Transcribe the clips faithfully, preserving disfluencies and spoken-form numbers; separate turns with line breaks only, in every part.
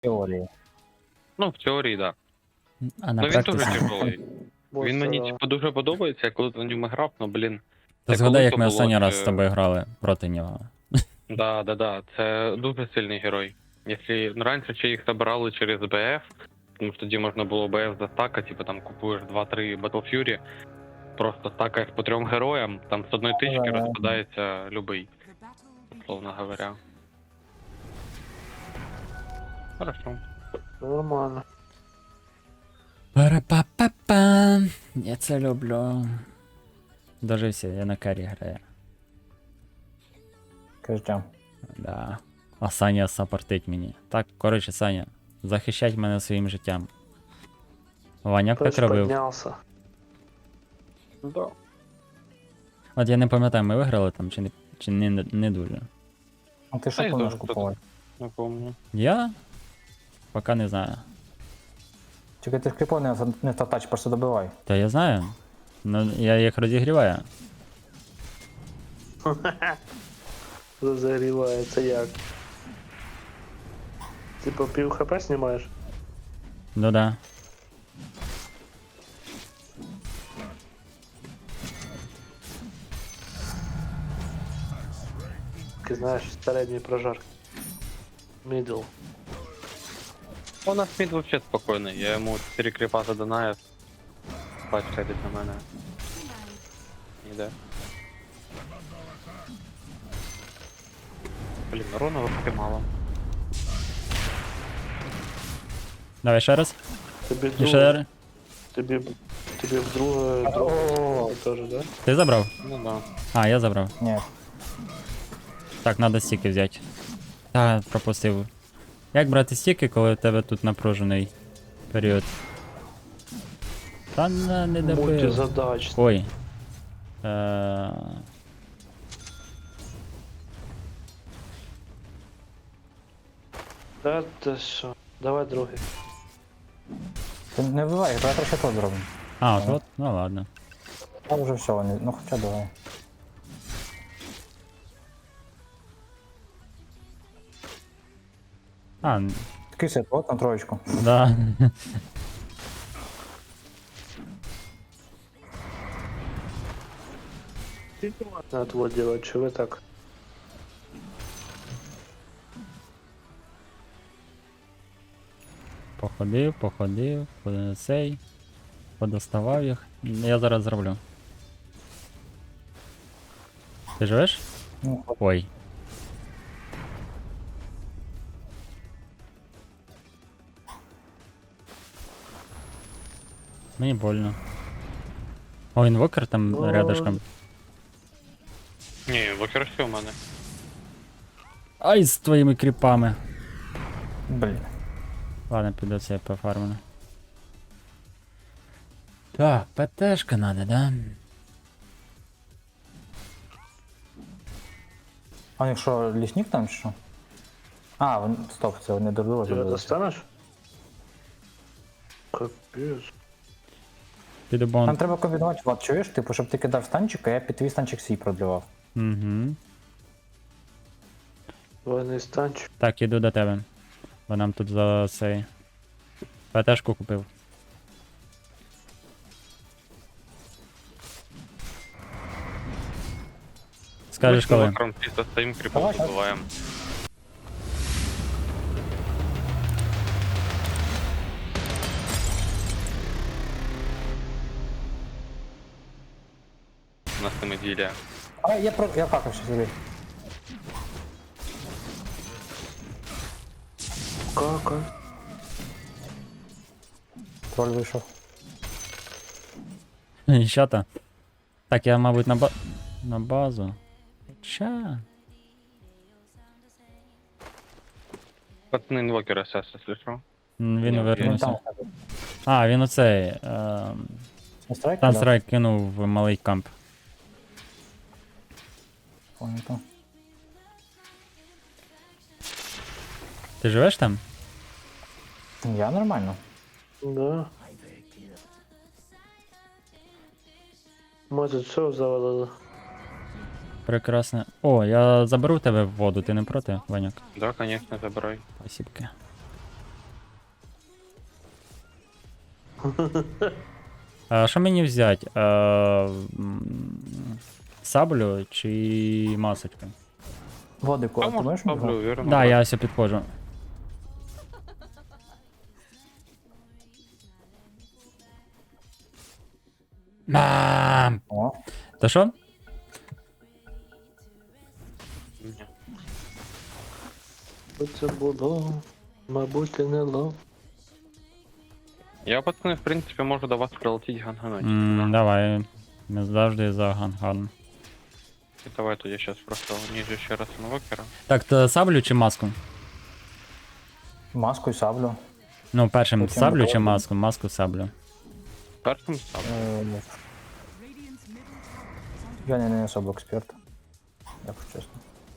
Теорії.
Ну, в теорії, так.
А на
Ну він дуже
практиці.
тяжелий. Він мені
Бо це-
типу дуже подобається, я коли на ньому грав, ну блін.
Та
Це
згадай,
коли
як
то
ми
було,
останній раз
це-
з тобою грали проти нього.
Да, да, да. Це дуже сильний герой. Якщо ну, раніше ще їх забирали через БФ, тому що тоді можна було БФ застакати, типу там купуєш два-три Battle Fury, просто стакаєш по трьом героям, там з одної тички
Ага.
розпадається любий, условно говоря. Хорошо.
Нормально.
Пара-па-па-па. Я це люблю. Дожився, я на карі граю.
Кажу.
Да. А Саня саппортить мені. Так, коротше, Саня, захищать мене своїм життям. Ваняк так
Хтось
робив.
піднявся.
Да.
От я не пам'ятаю, ми виграли там чи не, чи не, не дуже.
А ти
Та
що
я
плануєш
теж
купувати?
Не помню.
Я? Поки не знаю.
Тільки ти кліпо не, не татач, просто добивай.
Та я знаю. Ну, я їх розігріваю.
Розігріває, це як? Типа пів хп знімаєш?
Ну да.
Ти знаєш, середній прожар. Мідл.
У нас мід вообще спокійний, я йому чотири кріпа задонаю. Бач, сидить на мене. Іде. Блін, урона вообще мало.
Давай ще раз.
Тобі
І ще
друге,
раз.
тобі, тобі вдруге, друге теж, да?
Ти забрав?
Ну да.
А, я забрав.
Ні.
Так, треба стіки взяти. Та, пропустив. Як брати стіки, коли у тебе тут напружений період? Та не, не добив.
Мультизадач.
Ой. Е...
Да, ти що? Давай другий.
Ти не вбивай, давай ще то зробимо.
А, от, от, ну ладно.
А вже все, вони, ну хоча давай.
А, н-
Такий сет, от на троєчку.
да.
Надо вот делать, что вы так?
Походив, походив, по- цей. Подоставав їх. Я зараз зроблю. Ти живеш?
Ну, от.
Ой. Мені больно. О, інвокер там
Ой.
рядышком.
Ні, вокер все у мене.
Ай, з твоїми кріпами.
Блін.
Ладно, піду це пофармлю. Так, ПТшка надо, да?
А якщо лісник там чи що? А, вон- стоп, це не до
Ты
забилися.
достанешь? Капец.
Піду
Нам
бон.
треба комбінувати, Влад, чуєш? Типу, щоб ти кидав станчик, а я під твій станчик свій продлівав.
Угу.
Военный станчик.
Так, іду до тебе. Бо нам тут за цей. ПТшку купив. Скажеш коли?
Вокером чисто стоїм, кріпом
Давай,
добиваємо. У нас там іділія.
А, я про... я какався собі.
Как?
Троль вийшов.
Що то? Так, я, мабуть, на ба... на базу. Ча.
Пацани інвокера сейчас, якщо що.
М, Він
Ні,
Він
вернувся.
там.
А, він оцей. Ем...
Страйк?
Тансрайк кинув в малий камп.
Понятно.
Ти живеш там?
Я нормально.
Да. Мы тут все завалили.
Прекрасно. О, я заберу тебе в воду, ти не проти, Ваняк?
Да, конечно, забирай.
Спасибки. А що мені взяти? Е, м, Саблю чи масочку?
Водику, а ти
Тому
можеш мені?
ставлю, вірно.
Да, я ось підходжу. Мам!
О,
Та що?
Ні.
Що це було? Мабуть, і не лов.
Я, пацани, в принципі, можу до вас прилетіти гангануть.
М, Давай. Ми завжди за ган-ган.
Давай тоді щас просто ніжу ще раз інвокера.
Так, то саблю чи маску?
маску і саблю.
Ну, першим
Потім
саблю чи
виходимо.
маску? Маску саблю.
Першим ставлю.
Е, Я не, не особо експерт. Якщо чесно.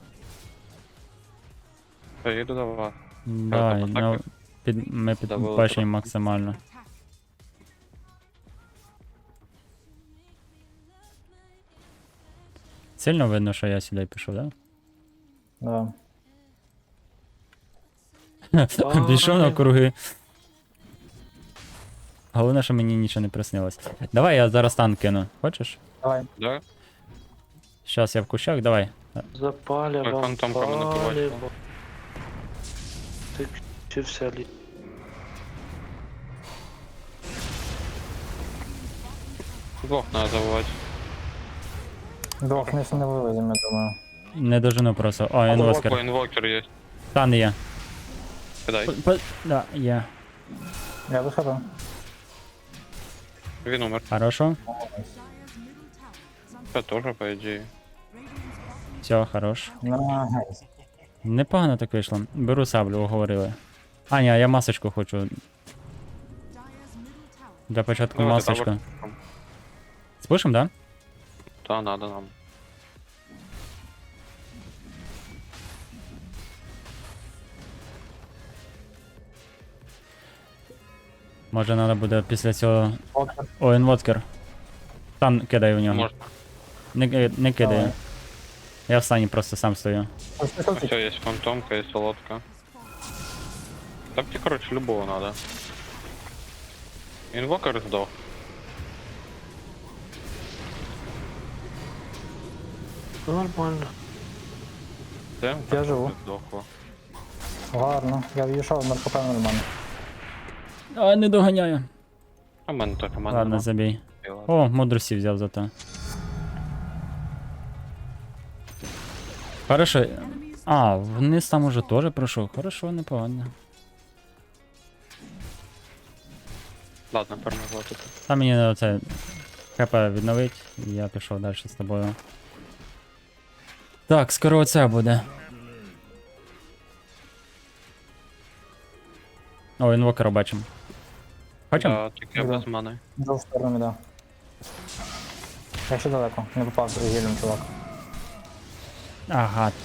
Я їду до вас.
Давай,
там
ну,
атаки?
під, ми
Давили
підбачимо
трохи.
максимально. Сильно видно, що я сюди пішов, да?
Да.
Пішов на круги. Головне, що мені нічого не приснилось. Давай я зараз танк кину. Хочеш?
Давай.
Да?
Щас я в кущах, давай.
Запаля
Ой,
вам
фантомка мене побачила.
паліво. Ти вчився лі.
Двох треба забувати.
Двох не не вивеземо, я думаю.
Не дожину просто. О, інвоскер.
О, інвокер є.
Тан є.
Кидай.
П- п- Да, є.
Я виходив.
Він умер.
Хорошо.
Це теж, по ідеї.
Все, хорош.
Найс.
Непогано так вийшло. Беру саблю, уговорили. А, ні, я масочку хочу. Для початку
Давайте
масочку.
тавер.
Спушим, да?
Та, надо нам.
Може треба буде після цього.
Окер.
О, інвоткер. Тан кидай в нього.
Можна.
Не, ки- не кидає.
Давай.
Я в стані просто сам стою.
Ось пішов
Все, є фантомка і солодка. Так тебе, короче, любого надо. Інвокер здох.
Нормально.
Це?
Я живу.
Здохло.
Гарно. Я в'їжджав, на ХП нормально.
А, не доганяю.
А в мене так, у мене
Ладно,
нема.
забій.
Ладно.
О, мудрості взяв зато. Хорошо. А, вниз там уже теж пройшов. Хорошо, непогано.
Ладно, перемогла тут.
Там мені оце ХП відновить, і я пішов далі з тобою. Так, скоро оце буде. О, інвокера бачимо. Хочемо?
Да, тільки я
Да.
без мани.
Йду в сторону, да. Я ще далеко, не попав з гілем, чувак.
Ага.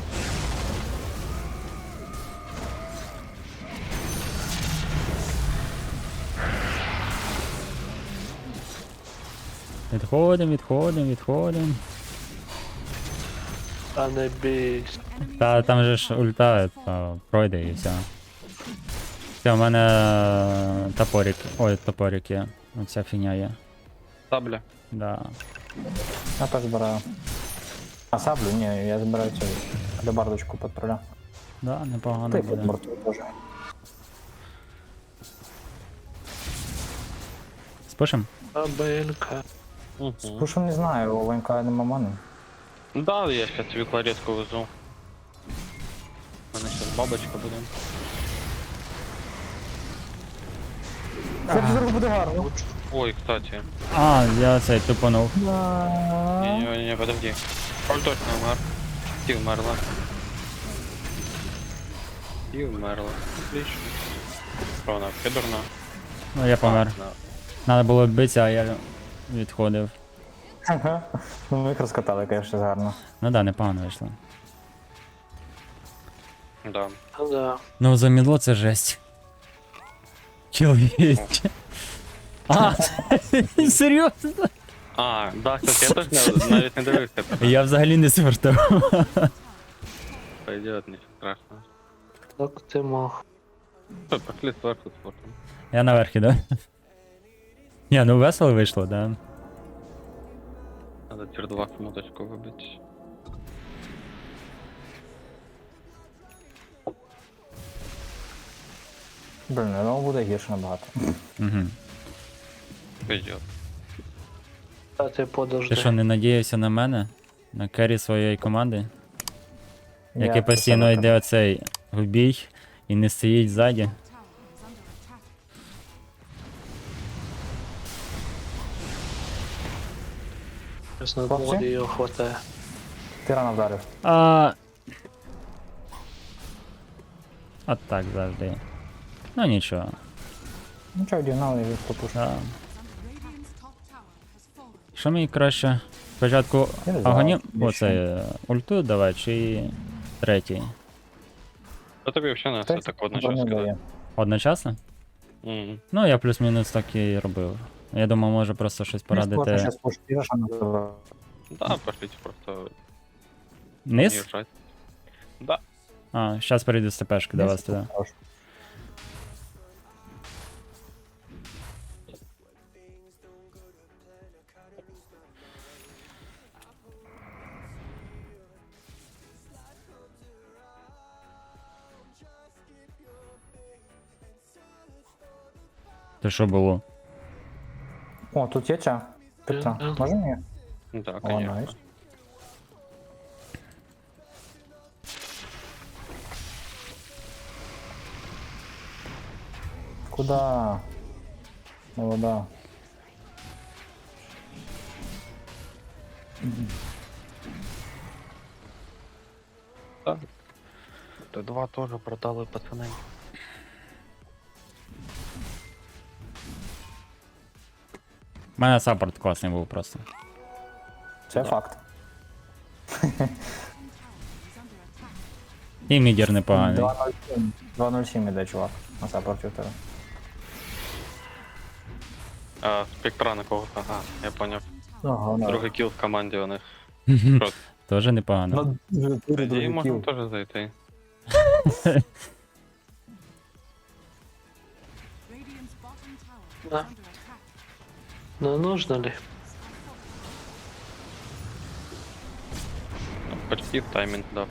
Відходимо, відходимо, відходимо.
А не бійся.
Та там же ж ульта, та пройде і все. Все, у мене топорик. Ой, топорик є. Оця фігня є.
Сабля.
Да.
Я теж збираю. А саблю? Ні, я збираю цю лебардочку патруля.
Да, непогано
Та й
буде.
під морту теж.
Спушим?
Абелька.
Угу.
Слушай, не знаю, у ВНК нема мани.
Да, я сейчас тобі кларетку везу. У мене зараз бабочка буде.
Це зараз буде гарно.
Ой, кстати.
А, я цей тупанув.
Не-не-не, подожди. Коль точно умер. Ти вмерла. Ти вмерла. Отлично. Що вона, підурна?
Ну, я помер.
Да.
Надо було битися, а я відходив.
Ага. Ну ми їх розкатали, звісно, гарно.
Ну да, непогано вийшло.
Да.
Ну да.
Ну, замідло це жесть. Чоловіч. А, серйозно?
А, да, кстати, я теж не- навіть не дивився.
Я взагалі не звертав.
Пойдет, нічого страшного.
Так ти мог.
Що, пошли зверху спортом.
Я наверх іду. Ні, ну весело вийшло, да.
Надо тір два смуточку вибити.
Блін, я думав, буде гірше набагато.
Угу.
Пиздец.
А ти подожди.
Ти що, не надіявся на мене? На керрі своєї команди?
Я
Який
про
постійно
себе
йде оцей в бій і не стоїть ззаді.
Щось на
Хлопці?
моді його хватає.
кажу. Ти рано вдарив.
А... От так завжди. Ну нічого.
Ну чого, дігнали і попуш.
Да. Що мені краще? Спочатку
Я не знаю,
агонім,
більше.
оце е, ульту давай, чи третій?
Та тобі взагалі не все
Хтось
так одночасно
броню
кидати.
дає.
Одночасно?
Мгм.
Ну, я плюс-мінус так і робив. Я думав, може просто щось порадити.
Зараз пошкіриш, а на тебе.
Да, пошліть просто
Низ?
їжджать. Да.
А, зараз перейду з ТПшки до вас туди.
Хорош.
Це що було?
О, тут є ця. Пита.
Мгм.
Може мені?
Ну так,
О,
конечно.
найс. Куда? Молода.
Т два теж продали пацани.
У мене саппорт класний був просто.
Це факт.
І мідір непоганий.
два нуль сім. два нуль сім іде, чувак. На саппорті у тебе.
А, спектра на когось, ага, я поняв.
Ага,
Другий кіл в команді у них.
Теж непогано.
Ну,
По ідеї
другий
можна
кіл.
теж зайти.
Да. Ну нужно ли?
Ну, почти в таймінг дав.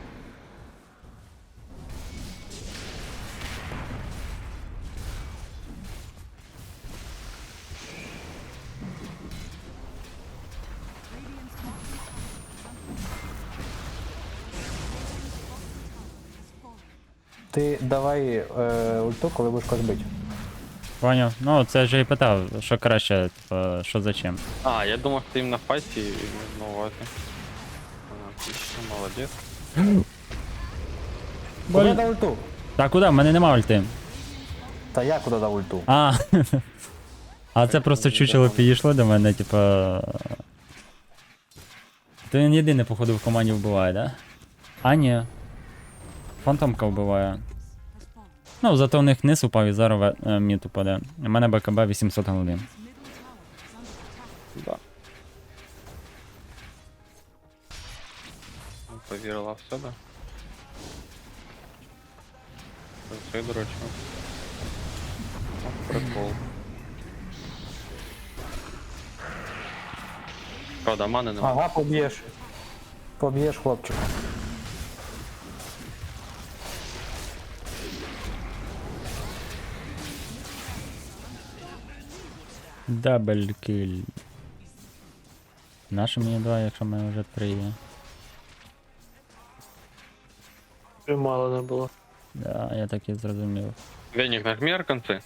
Ти давай е, ульту, коли будеш когось бити.
Поняв? Ну, це ж я і питав, що краще, типа, що за чим.
А, я думав, ти їм на файті і на увазі. А, Отлично, молодець.
Куди дав ульту?
Та куди? В мене нема ульти.
Та я куди дав ульту?
А. А це просто чучело підійшло до мене, типа. То він єдиний, походу, в команді вбиває, да? А, ні. Фантомка вбиває. Ну, зато в них низ упав і зараз е, мід упаде. У мене БКБ вісімсот голди.
Да. Повірила в себе. Це дурачок. О, прикол. Правда, мани нема.
Ага, поб'єш. Поб'єш хлопчика.
Дабл кіль. Наше мені два, якщо в мене вже три є.
Вже мало не було.
Да, я так і зрозумів.
Веник, нажми арканцы.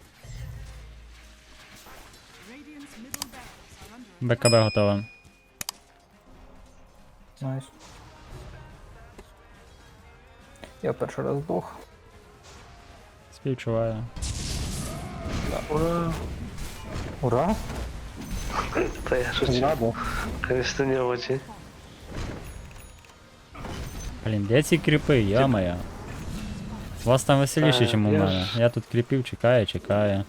БКБ готове.
Найс. Я перший раз здох.
Співчуваю.
Ура!
Ура!
Та я шучу.
Ура, да.
Конечно, не очень.
Блін, де ці кріпи, я-моя. У вас там веселіше,
Та,
ніж у
я
мене.
ж-
Я тут кріпів, чекаю, чекаю.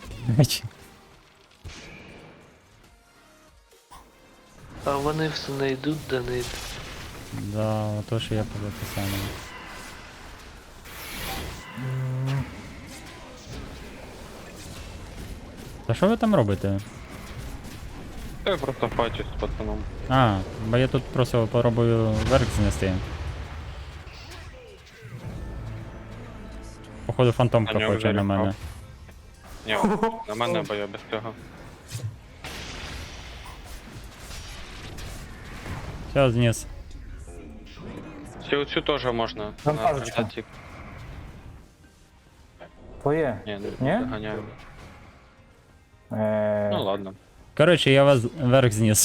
А вони все не йдуть, да не йдуть.
Да, ото що я подав те саме. Та що ви там робите?
Я просто фачусь з пацаном.
А, бо я тут просто попробую верх знести. Походу
А
фантомка
нього
хоче на
вже
мене.
ріпав. Ні, на мене, бо я без цього.
Все, зніс.
Цю, цю теж можна.
Там
на
пазочка.
презентації.
Твоє.
Ні,
Ні?
не доганяю.
Е,
Ну ладно.
Коротше, я вас верх зніс.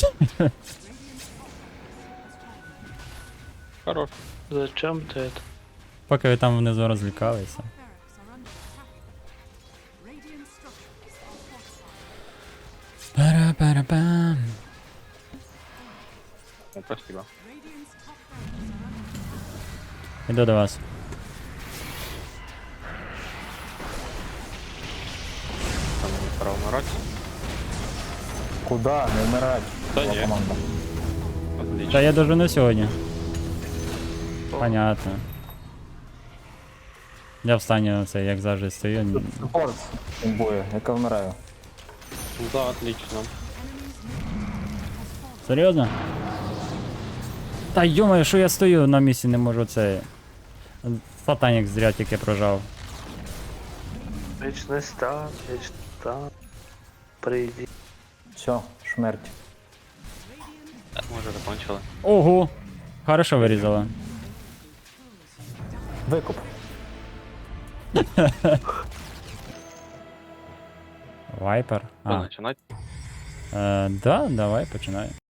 Хорош.
Зачем ти это?
Поки ви там внизу розлікалися. Пара-пара-пам.
Ну, спасибо.
Іду до вас.
Там не пора вмирати.
Куда? Не вмирать.
Та
Була
ні.
команда.
Отлично.
Та я дожену сьогодні. Понятно. Я в стані оце, як завжди стою.
Супорт імбує, яка вмираю.
Да, отлично.
Серйозно? Та йомаю, що я стою на місці, не можу це. Сатанік зря тільки прожав.
Вічний стан, вічний стан. Прийди.
Все, шмерть.
Ми вже закончили.
Ого! Хорошо вирізала.
Викуп.
Вайпер.
Що
А,
починати?
е, да, давай, починай.